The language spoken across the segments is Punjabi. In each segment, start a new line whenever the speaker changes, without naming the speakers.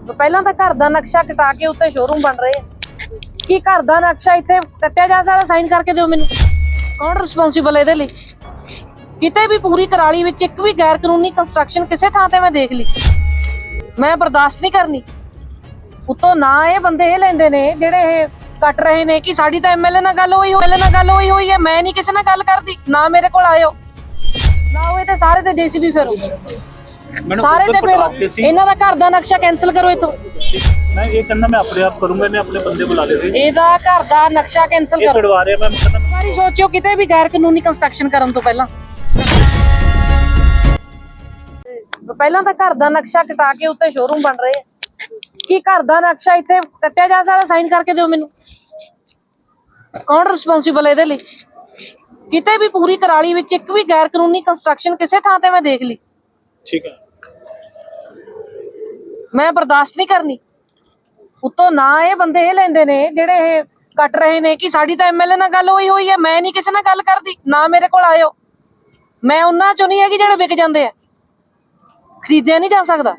ਪਹਿਲਾਂ ਤਾਂ ਘਰ ਦਾ ਨਕਸ਼ਾ ਕਟਾ ਕੇ ਉੱਤੇ ਸ਼ੋਰੂਮ ਬਣ ਰਹੇ ਆ। ਕੀ ਘਰ ਦਾ ਨਕਸ਼ਾ ਇੱਥੇ ਕੱਟਿਆ ਜਾ ਸਕਦਾ? ਸਾਈਨ ਕਰਕੇ ਦਿਓ ਮੈਨੂੰ। ਕੌਣ ਰਿਸਪੌਂਸੀਬਲ ਇਹਦੇ ਲਈ? ਕਿਤੇ ਵੀ ਪੂਰੀ ਕਰਾਲੀ ਵਿੱਚ ਇੱਕ ਵੀ ਗੈਰ ਕਾਨੂੰਨੀ ਕੰਸਟਰਕਸ਼ਨ ਕਿਸੇ ਥਾਂ ਤੇ ਮੈਂ ਦੇਖ ਲਈ, ਮੈਂ ਬਰਦਾਸ਼ਤ ਨਹੀਂ ਕਰਨੀ। ਉੱਤੋਂ ਨਾ ਇਹ ਬੰਦੇ ਇਹ ਲੈਂਦੇ ਨੇ ਜਿਹੜੇ ਇਹ ਕੱਟ ਰਹੇ ਨੇ ਕਿ ਸਾਡੀ ਤਾਂ ਐਮਐਲਏ ਨਾਲ ਗੱਲ ਹੋਈ ਹੋਈ ਹੈ। ਮੈਂ ਨਹੀਂ ਕਿਸੇ ਨਾਲ ਗੱਲ ਕਰਦੀ, ਨਾ ਮੇਰੇ ਕੋਲ ਆਇਓ, ਨਾ ਹੋਏ ਤੇ ਸਾਰੇ ਤੇ ਜੀਸੀਬੀ ਫੇਰੋ, ਸਾਰੇ ਤੇ ਫੇਰੋ। ਇਹਨਾਂ ਦਾ ਘਰ ਦਾ ਨਕਸ਼ਾ ਕੈਂਸਲ ਕਰੋ ਇਥੋਂ।
मैं ये करना मैं अपने आप करूंगा, मैं अपने बंदे बुला लेते हैं।
ਇਹਦਾ ਘਰ ਦਾ ਨਕਸ਼ਾ ਕੈਂਸਲ
ये
ਕਰੋ।
छुड़वा रहे हैं, मैं मतलब
ਸਾਰੀ ਸੋਚਿਓ ਕਿਤੇ ਵੀ ਗੈਰ ਕਾਨੂੰਨੀ ਕੰਸਟਰਕਸ਼ਨ ਕਰਨ ਤੋਂ ਪਹਿਲਾਂ ਤਾਂ ਘਰ ਦਾ ਨਕਸ਼ਾ ਕਟਾ ਕੇ ਉੱਤੇ ਸ਼ੋਰੂਮ ਬਣ ਰਹੇ ਆ। ਕੀ ਘਰ ਦਾ ਨਕਸ਼ਾ ਇੱਥੇ ਕੱਟਿਆ ਜਾ ਸਕਦਾ? ਸਾਈਨ ਕਰਕੇ ਦਿਓ ਮੈਨੂੰ। ਕੌਣ ਰਿਸਪੌਂਸੀਬਲ ਇਹਦੇ ਲਈ? ਕਿਤੇ ਵੀ ਪੂਰੀ ਕਰਾਲੀ ਵਿੱਚ ਇੱਕ ਵੀ ਗੈਰ ਕਾਨੂੰਨੀ ਕੰਸਟਰਕਸ਼ਨ ਕਿਸੇ ਥਾਂ ਤੇ ਮੈਂ ਦੇਖ ਲਈ,
ठीक है।
ਮੈਂ ਬਰਦਾਸ਼ਤ ਨਹੀਂ ਕਰਨੀ। ਉੱਤੋਂ ਨਾ ਇਹ ਬੰਦੇ ਇਹ ਲੈਂਦੇ ਨੇ ਜਿਹੜੇ ਇਹ ਕੱਟ ਰਹੇ ਨੇ ਕਿ ਸਾਡੀ ਤਾਂ ਐਮਐਲਏ ਨਾਲ ਗੱਲ ਹੋਈ ਹੈ। ਮੈਂ ਨਹੀਂ ਕਿਸੇ ਨਾਲ ਗੱਲ ਕਰਦੀ, ਨਾ ਮੇਰੇ ਕੋਲ ਆਇਓ। ਮੈਂ ਉਹਨਾਂ ਚੋਂ ਨਹੀਂ ਹੈਗੀ ਜਿਹੜੇ ਵਿਕ ਜਾਂਦੇ ਆ, ਖਰੀਦਿਆ ਨਹੀਂ ਜਾ ਸਕਦਾ।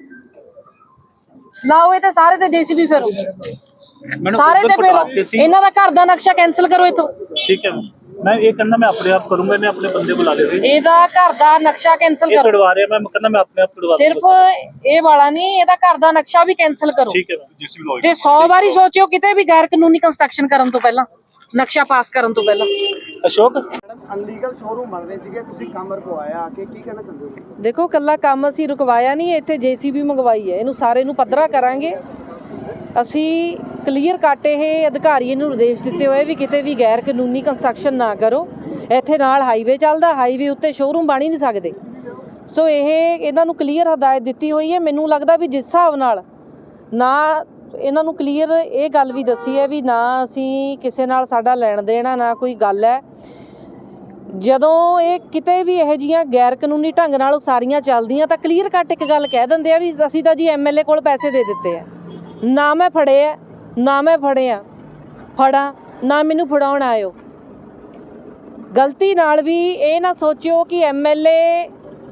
ਲਾਓ ਇਹ ਤੇ ਸਾਰੇ ਤੇ ਜੀਸੀਬੀ ਫੇਰੋ, ਸਾਰੇ ਤੇ ਫੇਰੋ। ਇਹਨਾਂ ਦਾ ਘਰ ਦਾ ਨਕਸ਼ਾ ਕੈਂਸਲ ਕਰੋ ਇਥੋਂ।
ठीक है, मैं ये करना मैं अपने आप करूंगा, मैं अपने बंदे बुला लेते हैं।
ਇਹਦਾ ਘਰ ਦਾ ਨਕਸ਼ਾ ਕੈਂਸਲ
ये
ਕਰੋ।
छुड़वा रहे हैं, मैं करना मैं अपने आप छुड़वा
ਸਿਰਫ ਇਹ ਵਾਲਾ ਨਹੀਂ, ਇਹਦਾ ਘਰ ਦਾ ਨਕਸ਼ਾ ਵੀ ਕੈਂਸਲ ਕਰੋ।
ठीक है, जेसीबी
ਤੇ 100 ਵਾਰੀ ਸੋਚਿਓ ਕਿਤੇ ਵੀ ਗੈਰ ਕਾਨੂੰਨੀ ਕੰਸਟਰਕਸ਼ਨ ਕਰਨ ਤੋਂ ਪਹਿਲਾਂ, ਨਕਸ਼ਾ ਪਾਸ ਕਰਨ ਤੋਂ ਪਹਿਲਾਂ।
अशोक
ਅਨਲੀਗਲ ਸ਼ੋਰੂਮ ਬਣ ਰਹੇ ਸੀਗੇ, ਤੁਸੀਂ ਕੰਮ ਰਖਵਾਇਆ ਆ ਕੇ, ਕੀ ਕਹਿਣਾ ਚਾਹੁੰਦੇ ਹੋ?
ਦੇਖੋ ਕੱਲਾ ਕੰਮ ਅਸੀਂ ਰੁਕਵਾਇਆ ਨਹੀਂ, ਇੱਥੇ ਜੀਸੀਬੀ ਮੰਗਵਾਈ ਹੈ। ਇਹਨੂੰ ਸਾਰੇ ਨੂੰ ਪੱਧਰਾ ਕਰਾਂਗੇ ਅਸੀਂ। ਕਲੀਅਰ ਕੱਟ ਇਹ ਅਧਿਕਾਰੀ ਨੂੰ ਨਿਰਦੇਸ਼ ਦਿੱਤੇ ਹੋਏ ਵੀ ਕਿਤੇ ਵੀ ਗੈਰ ਕਾਨੂੰਨੀ ਕੰਸਟਰਕਸ਼ਨ ਨਾ ਕਰੋ। ਇੱਥੇ ਨਾਲ ਹਾਈਵੇ ਚੱਲਦਾ, ਹਾਈਵੇ ਉੱਤੇ ਸ਼ੋਰੂਮ ਬਣ ਹੀ ਨਹੀਂ ਸਕਦੇ। ਸੋ ਇਹਨਾਂ ਨੂੰ ਕਲੀਅਰ ਹਦਾਇਤ ਦਿੱਤੀ ਹੋਈ ਹੈ। ਮੈਨੂੰ ਲੱਗਦਾ ਵੀ ਜਿਸ ਹਿਸਾਬ ਨਾਲ ਨਾ ਇਹਨਾਂ ਨੂੰ ਕਲੀਅਰ ਇਹ ਗੱਲ ਵੀ ਦੱਸੀ ਹੈ ਵੀ ਨਾ ਅਸੀਂ ਕਿਸੇ ਨਾਲ ਸਾਡਾ ਲੈਣ ਦੇਣਾ, ਨਾ ਕੋਈ ਗੱਲ ਹੈ। ਜਦੋਂ ਇਹ ਕਿਤੇ ਵੀ ਇਹੋ ਜਿਹੀਆਂ ਗੈਰ ਕਾਨੂੰਨੀ ਢੰਗ ਨਾਲ ਉਸਾਰੀਆਂ ਚੱਲਦੀਆਂ ਤਾਂ ਕਲੀਅਰ ਕੱਟ ਇੱਕ ਗੱਲ ਕਹਿ ਦਿੰਦੇ ਆ ਵੀ ਅਸੀਂ ਤਾਂ ਜੀ ਐਮਐਲਏ ਕੋਲ ਪੈਸੇ ਦੇ ਦਿੱਤੇ ਆ, ਨਾ ਮੈਂ ਫੜੇ ਆ, ਨਾ ਮੈਂ ਫੜਾਂ, ਨਾ ਮੈਨੂੰ ਫੜਾਉਣ ਆਇਓ। ਗਲਤੀ ਨਾਲ ਵੀ ਇਹ ਨਾ ਸੋਚਿਓ ਕਿ ਐਮਐਲਏ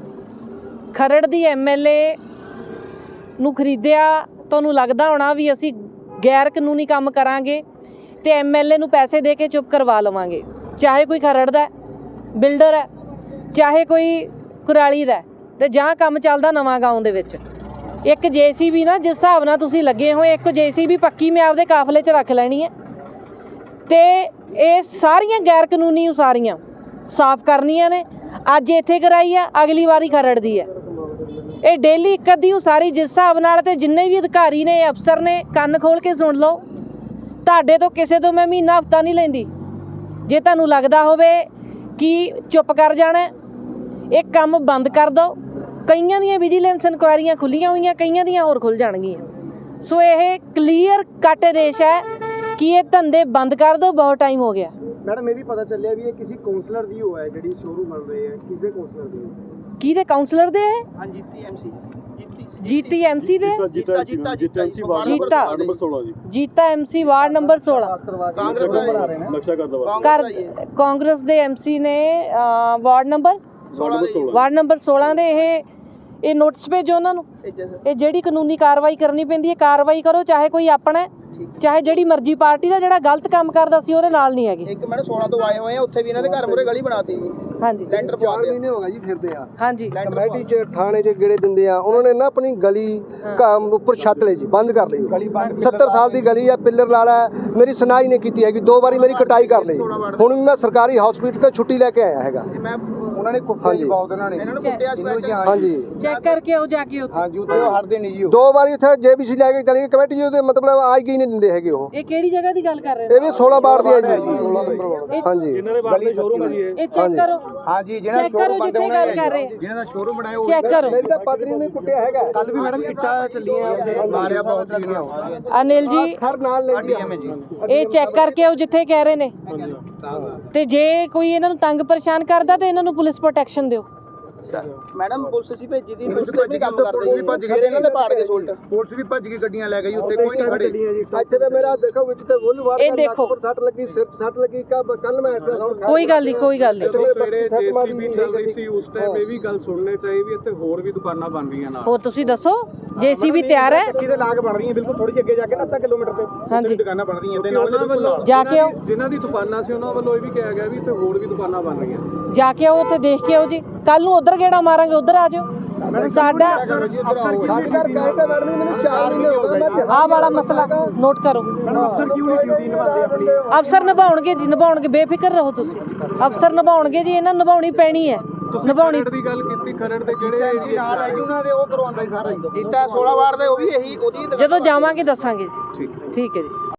ਖਰੜ ਦੀ ਐਮਐਲਏ ਨੂੰ ਖਰੀਦਿਆ, ਤੁਹਾਨੂੰ ਲੱਗਦਾ ਹੋਣਾ ਵੀ ਅਸੀਂ ਗੈਰ ਕਾਨੂੰਨੀ ਕੰਮ ਕਰਾਂਗੇ ਤੇ ਐਮਐਲਏ ਨੂੰ ਪੈਸੇ ਦੇ ਕੇ ਚੁੱਪ ਕਰਵਾ ਲਵਾਂਗੇ। ਚਾਹੇ ਕੋਈ ਖਰੜ ਦਾ ਬਿਲਡਰ ਹੈ, ਚਾਹੇ ਕੋਈ ਕੁਰਾਲੀ ਦਾ, ਤੇ ਜਾਂ ਕੰਮ ਚੱਲਦਾ ਨਵਾਂ ਗਾਉਂ ਦੇ ਵਿੱਚ ਇੱਕ ਜੀਸੀਬੀ ਨਾ, ਜਿਸ ਹਿਸਾਬ ਨਾਲ ਤੁਸੀਂ ਲੱਗੇ ਹੋਏ, ਇੱਕ ਜੀਸੀਬੀ ਪੱਕੀ ਮੈਂ ਆਪਦੇ ਕਾਫਲੇ 'ਚ ਰੱਖ ਲੈਣੀ ਹੈ ਤੇ ਇਹ ਸਾਰੀਆਂ ਗੈਰ ਕਾਨੂੰਨੀ ਉਸਾਰੀਆਂ ਸਾਫ਼ ਕਰਨੀਆਂ ਨੇ। ਅੱਜ ਇੱਥੇ ਕਰਾਈ ਆ, ਅਗਲੀ ਵਾਰੀ ਖਰੜ ਦੀ ਹੈ। ਇਹ ਡੇਲੀ ਇੱਕ ਅੱਧੀ ਉਸਾਰੀ ਜਿਸ ਹਿਸਾਬ ਨਾਲ, ਤੇ ਜਿੰਨੇ ਵੀ ਅਧਿਕਾਰੀ ਨੇ, ਅਫਸਰ ਨੇ, ਕੰਨ ਖੋਲ ਕੇ ਸੁਣ ਲਓ। ਤੁਹਾਡੇ ਤੋਂ ਕਿਸੇ ਤੋਂ ਮੈਂ ਮਹੀਨਾ ਹਫ਼ਤਾ ਨਹੀਂ ਲੈਂਦੀ। ਜੇ ਤੁਹਾਨੂੰ ਲੱਗਦਾ ਹੋਵੇ ਕਿ ਚੁੱਪ ਕਰ ਜਾਣਾ, ਇਹ ਕੰਮ ਬੰਦ ਕਰ ਦਿਓ। ਕਈਆਂ ਦੀਆਂ ਵਿਜੀਲੈਂਸ ਇਨਕੁਆਇਰੀਆਂ ਖੁੱਲੀਆਂ ਹੋਈਆਂ, ਕਈਆਂ ਦੀਆਂ ਹੋਰ ਖੁੱਲ੍ਹ ਜਾਣਗੀਆਂ। ਸੋ ਇਹ ਕਲੀਅਰ ਕੱਟ ਆਦੇਸ਼ ਹੈ ਕਿ ਇਹ ਧੰਦੇ ਬੰਦ ਕਰ ਦਿਓ, ਬਹੁਤ ਟਾਈਮ ਹੋ ਗਿਆ।
ਮੈਡਮ ਇਹ ਵੀ ਪਤਾ ਚੱਲਿਆ ਵੀ ਇਹ ਕਿਸੇ ਕਾਉਂਸਲਰ ਦੀ ਹੋਇਆ ਜਿਹੜੀ ਸ਼ੋਰੂਮ ਬਣ ਰਹੇ ਹੈ, ਕਿਸੇ ਕਾਉਂਸਲਰ ਦੀ?
ਕਿਹਦੇ ਕਾਉਂਸਲਰ ਦੇ ਹੈ?
ਹਾਂ, ਜੀਤੀ ਐਮਸੀ ਦੇ
ਜੀਤਾ ਐਮਸੀ ਵਾਰਡ ਨੰਬਰ 16
ਕਾਂਗਰਸ ਦਾ ਬਣਾ ਰਹੇ ਨੇ, ਨਕਸ਼ਾ
ਕਾਂਗਰਸ ਦੇ ਐਮਸੀ ਨੇ ਵਾਰਡ ਨੰਬਰ 16 ਦੇ ਇਹ ਨੋਟਿਸ ਭੇਜੋ ਉਹਨਾਂ ਨੂੰ। ਇਹ ਜਿਹੜੀ ਕਾਨੂੰਨੀ ਕਾਰਵਾਈ ਕਰਨੀ ਪੈਂਦੀ ਹੈ ਕਾਰਵਾਈ ਕਰੋ, ਚਾਹੇ ਕੋਈ ਆਪਣਾ, ਚਾਹੇ ਜਿਹੜੀ ਮਰਜ਼ੀ ਪਾਰਟੀ ਦਾ। ਜਿਹੜਾ ਗਲਤ ਕੰਮ ਕਰਦਾ ਸੀ ਉਹਦੇ ਨਾਲ ਨਹੀਂ ਹੈਗੇ।
ਇੱਕ ਮੈਡਮ 16 ਤੋਂ ਆਏ ਹੋਏ ਆ, ਉੱਥੇ ਵੀ ਇਹਨਾਂ ਦੇ ਘਰ ਮੂਹਰੇ ਗਲੀ ਬਣਾਤੀ ਜੀ।
ਹਾਂਜੀ,
ਲੈਂਟਰ 4 ਮਹੀਨੇ ਹੋ ਗਏ ਜੀ ਫਿਰਦੇ ਆ।
ਹਾਂਜੀ,
ਕਮੇਟੀ ਚ ਥਾਣੇ ਚ ਗੇੜੇ ਦਿੰਦੇ ਆ, ਉਹਨਾਂ ਨੇ ਨਾ ਆਪਣੀ ਗਲੀ ਉੱਪਰ ਛੱਤ ਲਈ ਜੀ, ਬੰਦ ਕਰ ਲਈ। 70 ਸਾਲ ਦੀ ਗਲੀ ਆ, ਪਿੱਲਰ ਲਾਲਾ, ਮੇਰੀ ਸੁਣਾਈ ਨਹੀਂ ਕੀਤੀ ਹੈਗੀ। 2 ਵਾਰੀ ਮੇਰੀ ਕਟਾਈ ਕਰ ਲਈ। ਹੁਣ ਵੀ ਮੈਂ ਸਰਕਾਰੀ ਹਸਪੀਟਲ ਤੋਂ ਛੁੱਟੀ ਲੈ ਕੇ ਆਇਆ ਹੈਗਾ। ਉਹਨਾਂ ਨੇ ਕੁੱਟਿਆ ਜੀ ਬਹੁਤ, ਇਹਨਾਂ ਨੂੰ ਕੁੱਟਿਆ ਸਪੈਸ਼ਲ। ਹਾਂਜੀ,
ਚੈੱਕ ਕਰਕੇ ਆਓ ਜਾ ਕੇ ਉੱਥੇ।
ਹਾਂਜੀ, ਉੱਥੇ ਉਹ ਹਟਦੇ ਨਹੀਂ ਜੀ। 2 ਵਾਰੀ ਉੱਥੇ ਜੇਬੀਸੀ ਲੈ ਕੇ ਚਲੀ ਗਈ ਕਮੇਟੀ ਜੀ, ਉਹਦੇ ਮਤਲਬ ਆਈ ਗਈ ਨਹੀਂ ਦਿੰਦੇ ਹੈਗੇ ਉਹ।
ਇਹ ਕਿਹੜੀ ਜਗ੍ਹਾ ਦੀ ਗੱਲ ਕਰ ਰਹੇ ਨੇ?
ਇਹ ਵੀ 16 ਵਾਰਡ ਦੀ ਹੈ ਜੀ। ਹਾਂਜੀ,
ਇਹਨਾਂ ਦੇ ਬਾਹਰ ਸ਼ੋਰੂਮ ਹੈ ਜੀ
ਇਹ ਚੈੱਕ ਕਰੋ।
ਹਾਂਜੀ, ਜਿਹਨਾਂ ਸ਼ੋਰੂਮ ਬਣਦੇ
ਜਿੱਥੇ ਗੱਲ ਕਰ ਰਹੇ
ਜਿਹਨਾਂ ਦਾ ਸ਼ੋਰੂਮ ਬਣਾਇਆ ਉਹ
ਚੈੱਕ ਕਰੋ।
ਮੇਰੀ ਤਾਂ ਪਤਨੀ ਨੇ ਕੁੱਟਿਆ ਹੈਗਾ। ਕੱਲ ਵੀ ਮੈਡਮ ਇੱਟਾਂ ਚੱਲੀਆਂ, ਉਹਦੇ ਮਾਰਿਆ ਬਹੁਤ ਜੀ।
ਅਨਿਲ ਜੀ
ਸਰ ਨਾਲ ਲੈ ਜੀ
ਇਹ ਚੈੱਕ ਕਰਕੇ ਆਓ ਜਿੱਥੇ ਕਹਿ ਰਹੇ ਨੇ, ਤੇ ਜੇ ਕੋਈ ਇਹਨਾਂ ਨੂੰ ਤੰਗ ਪਰੇਸ਼ਾਨ ਕਰਦਾ ਤੇ ਇਹਨਾਂ ਨੂੰ ਪੁਲਿਸ ਪ੍ਰੋਟੈਕਸ਼ਨ ਦਿਓ।
ਮੈਡਮ ਪੁਲਿਸ ਅਸੀਂ ਭੇਜੀ ਦੀ ਪੁਲਿਸ ਤੇ ਵੀ ਕੰਮ ਕਰਦੇ ਜੀ ਫਿਰ ਇਹਨਾਂ ਦੇ ਪਾੜ ਕੇ ਸੋਲਟ
ਪੁਲਿਸ ਵੀ ਭੱਜ ਕੇ ਗੱਡੀਆਂ ਲੈ ਗਈ ਉੱਤੇ ਕੋਈ ਨਹੀਂ ਖੜੇ
ਇੱਥੇ ਤੇ ਮੇਰਾ ਦੇਖੋ ਵਿੱਚ ਤੇ ਬੁੱਲ ਵਾਰ
ਇਹ ਦੇਖੋ।
ਪਰ ਸੱਟ ਲੱਗੀ ਸਿਰ 'ਚ ਸੱਟ ਲੱਗੀ ਕੱਲ ਮੈਂ ਅਲਟਰਾਸਾਊਂਡ
ਕੋਈ ਗੱਲ ਨਹੀਂ, ਕੋਈ ਗੱਲ ਨਹੀਂ।
ਸਵੇਰੇ ਜੇਸੀਬੀ ਚੱਲ ਰਹੀ ਸੀ ਉਸ ਟਾਈਮ ਇਹ ਵੀ ਗੱਲ ਸੁਣਨੇ ਚਾਹੀਦੀ ਵੀ ਇੱਥੇ ਹੋਰ ਵੀ ਦੁਕਾਨਾਂ ਬਣ ਰਹੀਆਂ ਨਾਲ।
ਹੋਰ ਤੁਸੀਂ ਦੱਸੋ, ਜੇਸੀਬੀ ਤਿਆਰ ਹੈ?
ਕਿਤੇ ਲਾਗ ਬਣ ਰਹੀਆਂ ਬਿਲਕੁਲ ਥੋੜੀ ਜਿਹੀ ਅੱਗੇ ਜਾ ਕੇ ਅੱਧਾ ਕਿਲੋਮੀਟਰ ਤੇ
ਹਾਂਜੀ
ਦੁਕਾਨਾਂ ਬਣ ਰਹੀਆਂ ਤੇ
ਉਹਨਾਂ ਵੱਲੋਂ
ਜਾ ਕੇ ਆਓ,
ਜਿਨ੍ਹਾਂ ਦੀ ਦੁਕਾਨਾਂ ਸੀ ਉਹਨਾਂ ਵੱਲੋਂ ਇਹ ਵੀ ਕਿਹਾ ਗਿਆ ਵੀ ਇੱਥੇ ਹੋਰ ਵੀ ਦੁਕਾਨਾਂ ਬਣ ਰਹੀਆਂ।
ਜਾ ਕੇ ਆਓ, ਉੱਥੇ ਦੇਖ ਕੇ ਆਓ ਜੀ। ਕੱਲ ਨੂੰ ਉਧਰ ਗੇੜਾ ਮਾਰਾਂਗੇ, ਉਧਰ ਆ ਜਾਓ। ਸਾਡਾ
ਸਾਡੇ ਘਰ ਗਏ ਤੇ ਮੈਡਮ ਜੀ ਮੈਨੂੰ 4 ਮਹੀਨੇ ਹੋ ਗਏ ਮੈਂ
ਆਹ ਵਾਲਾ ਮਸਲਾ ਨੋਟ ਕਰੋ।
ਅਫਸਰ ਕਿਉਂ ਨਹੀਂ ਡਿਊਟੀ ਨਿਭਾਉਂਦੇ ਆਪਣੀ
ਅਫਸਰ ਨਿਭਾਉਣਗੇ ਜੀ, ਨਿਭਾਉਣਗੇ, ਬੇਫਿਕਰ ਰਹੋ ਤੁਸੀਂ। ਅਫਸਰ ਨਿਭਾਉਣਗੇ ਜੀ, ਇਹਨਾਂ ਨੂੰ ਨਿਭਾਉਣੀ ਪੈਣੀ ਹੈ, ਨਿਭਾਉਣੀ।
ਖਰੜ ਦੀ ਗੱਲ ਕੀਤੀ, ਖਰੜ ਦੇ ਜਿਹੜੇ ਏਰੀਏ
ਨਾਲ ਹੈ ਉਹਨਾਂ ਦੇ ਉਹ ਕਰਵਾਉਂਦਾ ਸਾਰਾ
ਕੀਤਾ 16 ਵਾਰ ਦੇ ਉਹ ਵੀ ਇਹੀ ਉਹਦੀ
ਜਦੋਂ ਜਾਵਾਂਗੇ ਦੱਸਾਂਗੇ ਜੀ। ਠੀਕ ਹੈ ਜੀ।